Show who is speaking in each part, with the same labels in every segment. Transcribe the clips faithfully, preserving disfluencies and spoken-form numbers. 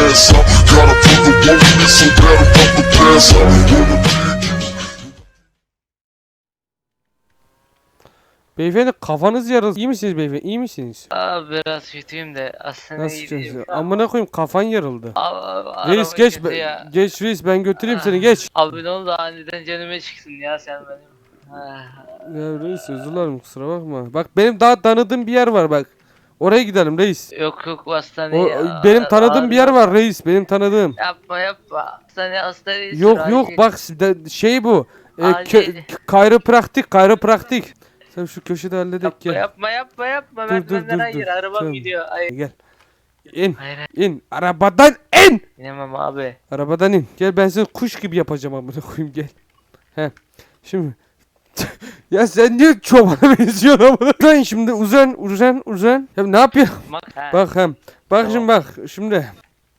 Speaker 1: ass out. Gotta put the woman in so bad I'm about to pass out. Wanna be
Speaker 2: Beyefendi kafanız yarıldı. İyi misiniz beyefendi? İyi misiniz?
Speaker 3: Abi biraz kötüyüm de aslında
Speaker 2: Nasıl
Speaker 3: iyi
Speaker 2: kötü?
Speaker 3: değilim.
Speaker 2: Amına koyayım kafan yarıldı.
Speaker 3: Abi,
Speaker 2: Reis
Speaker 3: araba
Speaker 2: geç
Speaker 3: kötü
Speaker 2: be-
Speaker 3: ya.
Speaker 2: geç reis ben götüreyim seni geç.
Speaker 3: Abi ne oldu aniden canıma çıksın ya sen benim. Ah,
Speaker 2: Ya reis özür dilerim kusura bakma. Bak benim daha tanıdığım bir yer var bak. Oraya gidelim reis.
Speaker 3: Yok yok
Speaker 2: O,
Speaker 3: hastaneye.
Speaker 2: benim tanıdığım bir yer var reis benim tanıdığım.
Speaker 3: Yapma yapma. Hastaneye hastaneye sür,
Speaker 2: Yok yok
Speaker 3: acil.
Speaker 2: bak de- şey bu. E,
Speaker 3: Acil.
Speaker 2: kö- kayropraktik kayropraktik. Sen şu köşede halledek
Speaker 3: Yapma
Speaker 2: gel.
Speaker 3: yapma yapma yapma.
Speaker 2: Dur,
Speaker 3: Ben
Speaker 2: dur,
Speaker 3: benden
Speaker 2: dur,
Speaker 3: hayır
Speaker 2: dur.
Speaker 3: arabam
Speaker 2: Tamam.
Speaker 3: gidiyor. Hayır.
Speaker 2: Gel. İn
Speaker 3: Hayır hayır.
Speaker 2: in arabadan in.
Speaker 3: İnemem abi.
Speaker 2: Arabadan in. Gel ben seni kuş gibi yapacağım amına koyayım gel. He. Şimdi ya sen niye çobana benziyorsun amına? Uzan şimdi uzan uzan uzan. Ya ne yapıyorsun?
Speaker 3: Bak. Ha.
Speaker 2: Bak hem. Bak
Speaker 3: Tamam.
Speaker 2: şimdi bak şimdi.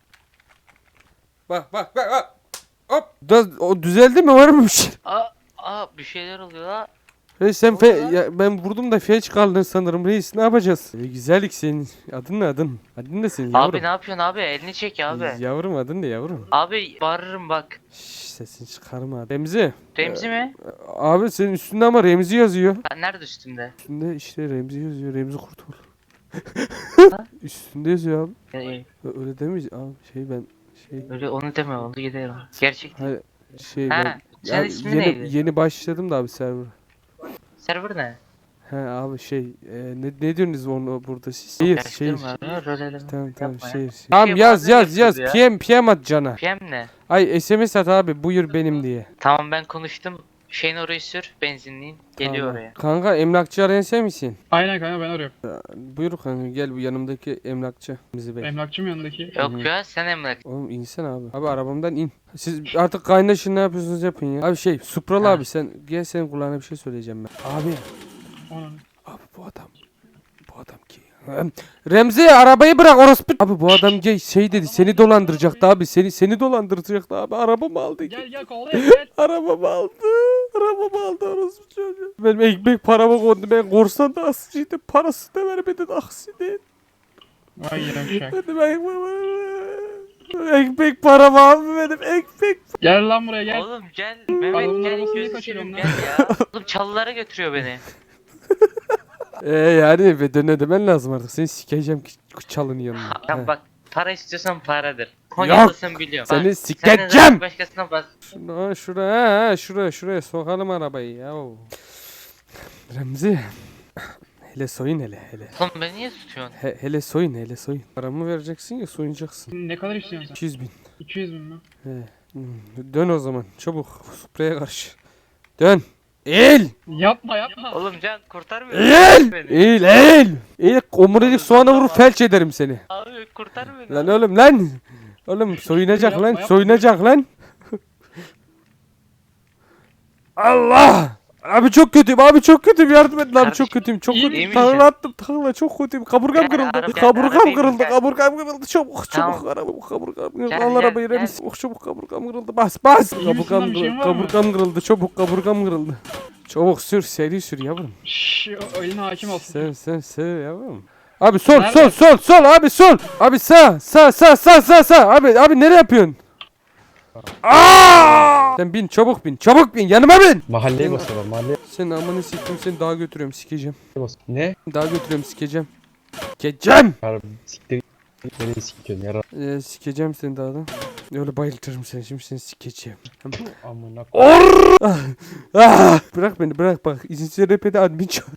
Speaker 2: Bak bak bak bak. Hop. Da, o düzeldi mi var mı bir şey?
Speaker 3: Aa, aa bir şeyler oluyor la.
Speaker 2: Reis sen
Speaker 3: Ne
Speaker 2: fe,
Speaker 3: oldu lan?
Speaker 2: ya, ben vurdum da feç kaldın sanırım reis ne yapacağız? E, güzellik senin. Adın ne adın? Adın ne senin yavrum?
Speaker 3: Abi ne yapıyorsun abi? Elini çek abi.
Speaker 2: Yavrum adın ne yavrum?
Speaker 3: Abi bağırırım bak.
Speaker 2: Şşş sesini çıkarma. Remzi.
Speaker 3: Remzi mi?
Speaker 2: Abi senin üstünde ama Remzi yazıyor.
Speaker 3: Ha, nerede üstünde?
Speaker 2: Üstünde işte Remzi yazıyor. Remzi Kurtul.
Speaker 3: Ha?
Speaker 2: Üstünde yazıyor abi.
Speaker 3: Ee,
Speaker 2: Ö- Öyle demeyiz abi şey ben şey
Speaker 3: öyle onu deme onu gidelim. Gerçek değil.
Speaker 2: hayır şey
Speaker 3: Ha,
Speaker 2: ben
Speaker 3: senin
Speaker 2: ya
Speaker 3: ismin
Speaker 2: yeni
Speaker 3: neydi?
Speaker 2: yeni başladım da abi server.
Speaker 3: Server ne?
Speaker 2: He abi şey e, ne ne diyorsunuz onu burada siz? Şehir şehir.
Speaker 3: Karıştırma ya, rol eleme.
Speaker 2: Tamam tamam
Speaker 3: Yapma ya.
Speaker 2: şehir.
Speaker 3: şey
Speaker 2: Tamam yaz
Speaker 3: bazen
Speaker 2: yaz yaz
Speaker 3: yapıyoruz
Speaker 2: P M P M at cana.
Speaker 3: P M ne?
Speaker 2: Ay S M S at abi buyur benim diye.
Speaker 3: Tamam ben konuştum. Şeyin orayı sür benzinliğin. Geliyor
Speaker 2: Tamam.
Speaker 3: oraya.
Speaker 2: Kanka emlakçı arayan sen misin?
Speaker 4: Aynen kanka ben arıyorum.
Speaker 2: Buyur kanka gel bu yanımdaki emlakçı bizi bey.
Speaker 4: Emlakçı mı yanındaki?
Speaker 3: Yok ya sen emlak.
Speaker 2: Oğlum insen abi. Abi arabamdan in. Siz artık kaynaşın ne yapıyorsunuz yapın ya. Abi şey Supralı
Speaker 3: Ha.
Speaker 2: abi sen gel senin kulağına bir şey söyleyeceğim ben. Abi.
Speaker 4: Ona.
Speaker 2: Abi bu adam. Bu adam ki. Remzi arabayı bırak orospu. Abi bu adam gay şey dedi seni dolandıracaktı abi. Seni seni dolandıracaktı abi. Arabamı aldı.
Speaker 4: Gel gel kovalayalım gel.
Speaker 2: Arabamı aldı. Arabamı aldı orospu çocuğu. Benim ekmek paramı kondu. Ben korsan da aksiydi. Parası da vermedin aksiydi.
Speaker 4: Vay yavşak.
Speaker 2: Benim ekmek Ekmek param abi benim ekmek.
Speaker 4: Gel lan buraya gel.
Speaker 3: Oğlum gel Mehmet
Speaker 4: Adamın
Speaker 3: gel
Speaker 4: arabasını
Speaker 3: gözü
Speaker 4: kaçırıyorum
Speaker 3: seveyim gel ya. Oğlum çalılara götürüyor beni.
Speaker 2: Eee yani ve döne demen lazım artık. Seni sikeceğim ki çalın yanına.
Speaker 3: Ya
Speaker 2: He.
Speaker 3: bak para istiyorsan paradır. Konyalısın biliyorum.
Speaker 2: Seni
Speaker 3: Bak,
Speaker 2: sikeceğim.
Speaker 3: sen de başkasına bas.
Speaker 2: Şuna şuraya şuraya şuraya sokalım arabayı ya. Remzi. Hele soyun hele hele.
Speaker 3: Oğlum beni niye tutuyorsun?
Speaker 2: He, hele soyun hele soyun. Paramı vereceksin ya soyunacaksın.
Speaker 4: Ne kadar istiyorsun sen?
Speaker 2: iki yüz bin.
Speaker 4: iki yüz bin mi?
Speaker 2: He. Hmm, Dön o zaman çabuk. Spreye karşı. Dön. Eğil.
Speaker 4: Yapma yapma.
Speaker 3: Oğlum Can kurtarmıyor.
Speaker 2: Eğil.
Speaker 3: Beni.
Speaker 2: Eğil eğil. Eğil. Omurilik soğana vurur felç ederim seni.
Speaker 3: Abi kurtar beni.
Speaker 2: Lan oğlum lan. Oğlum soyunacak
Speaker 4: Yapma,
Speaker 2: lan.
Speaker 4: yapma.
Speaker 2: Soyunacak lan. Allah. Abi çok kötüyüm abi çok kötüyüm yardım edin abi
Speaker 3: Kardeşim,
Speaker 2: çok kötüyüm çok
Speaker 4: iyi
Speaker 2: kötüyüm
Speaker 3: misin?
Speaker 2: takla attım takla çok kötüyüm kaburgam
Speaker 3: Gel,
Speaker 2: kırıldı
Speaker 3: araba-
Speaker 2: kaburgam
Speaker 3: arabayı
Speaker 2: kırıldı
Speaker 3: gel.
Speaker 2: kaburgam kırıldı çabuk
Speaker 3: Tamam.
Speaker 2: çabuk araba kaburgam kırıldı
Speaker 3: Gel,
Speaker 2: al
Speaker 3: gel,
Speaker 2: arabayı
Speaker 3: gel.
Speaker 2: remis çabuk çabuk kaburgam kırıldı bas bas
Speaker 4: İyi misin
Speaker 2: kaburgam
Speaker 4: lan, bir şeyin
Speaker 2: kırıldı
Speaker 4: var mı?
Speaker 2: kaburgam kırıldı çabuk kaburgam kırıldı çabuk sür seri sür yavrum
Speaker 4: Şşş o eline hakim olsun.
Speaker 2: sen sen sen yavrum abi sol sol
Speaker 4: Nerede?
Speaker 2: sol sol abi sol abi sağ sağ sağ sağ sağ sağ abi abi nereye yapıyorsun? Aa! Sen bin çabuk bin çabuk bin yanıma bin.
Speaker 5: Mahalleye basıyorlar mahalleye
Speaker 2: Sen amını siktim seni daha götürüyorum sikeceğim.
Speaker 5: bas. Ne?
Speaker 2: Daha götürüyorum sikeceğim. Sikeceğim.
Speaker 5: Yar siktir. Nereye sikiyorsun yara?
Speaker 2: Ee, sikeceğim seni daha da. Öyle bayıltırım seni şimdi seni sikeceğim.
Speaker 5: Amına k-
Speaker 2: Or! Ah! Ah! Bırak beni bırak bak. İzinsiz rapede admin çağır.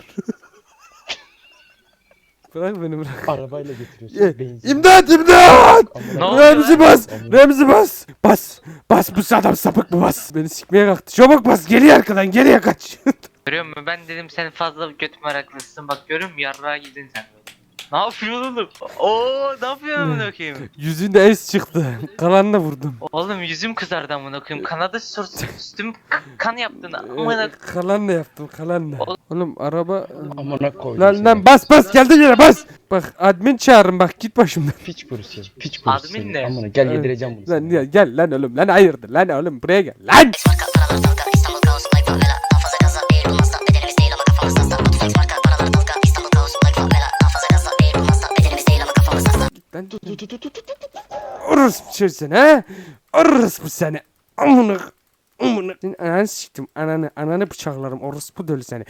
Speaker 2: Bırak beni bırak.
Speaker 5: arabayla
Speaker 2: Ye,
Speaker 5: götürüyorsun. Benzin.
Speaker 2: İmdat imdat!
Speaker 5: Amına
Speaker 3: Ne oldu
Speaker 2: Remzi
Speaker 3: lan?
Speaker 2: bas! Remzi bas! Bas! Bas bu adam sapık mı bas? Beni sikmeye kalktı. Çabuk bas geriye arkadan geriye kaç.
Speaker 3: Görüyor musun? Ben dedim sen fazla göt meraklısın. Bak görüyor musun? Yarrağa gidin sen böyle. Ne yapıyorsun oğlum? Oo ne yapıyorsun amına koyayım?
Speaker 2: Yüzünde es çıktı. Kalanla vurdum.
Speaker 3: Oğlum yüzüm kızardı amına koyayım. Kanadı sürtüm üstüm k- kan yaptın
Speaker 2: Ee,
Speaker 3: amına.
Speaker 2: kalanla yaptım kalanla.
Speaker 3: Oğlum-
Speaker 2: Oğlum araba...
Speaker 5: Amına koydum
Speaker 2: Lan
Speaker 5: seni.
Speaker 2: lan bas bas geldi yine bas. Bak admin çağırın bak git başımdan.
Speaker 5: Piç kurusu. Piç kurusu.
Speaker 3: Admin
Speaker 5: seni.
Speaker 3: ne?
Speaker 5: Amına gel yedireceğim bunu.
Speaker 2: Lan
Speaker 5: sana.
Speaker 2: ya, gel lan oğlum lan hayırdır lan oğlum buraya gel lan.
Speaker 6: Marka paralar dalga İstanbul kaos like favela Daha fazla gaza bir olmazsa bedenimiz değil ama kafamız hasta Mutfak marka paralar dalga İstanbul kaos like favela Daha fazla gaza bir olmazsa bedenimiz değil ama kafamız hasta
Speaker 2: Lan dur dur dur dur dur. Orospu çocuğu seni ha. Orospu seni. Amına. Amına. Senin ananı siktim. Ananı. Ananı bıçaklarım. Orospu dölü seni.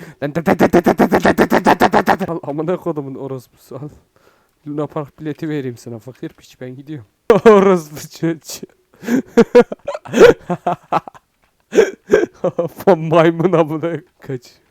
Speaker 2: Al amına kodumun orospusu al. Luna Park bileti vereyim sana fakir piç ben gidiyorum. Orospu çocuğu. Maymun amına kaç.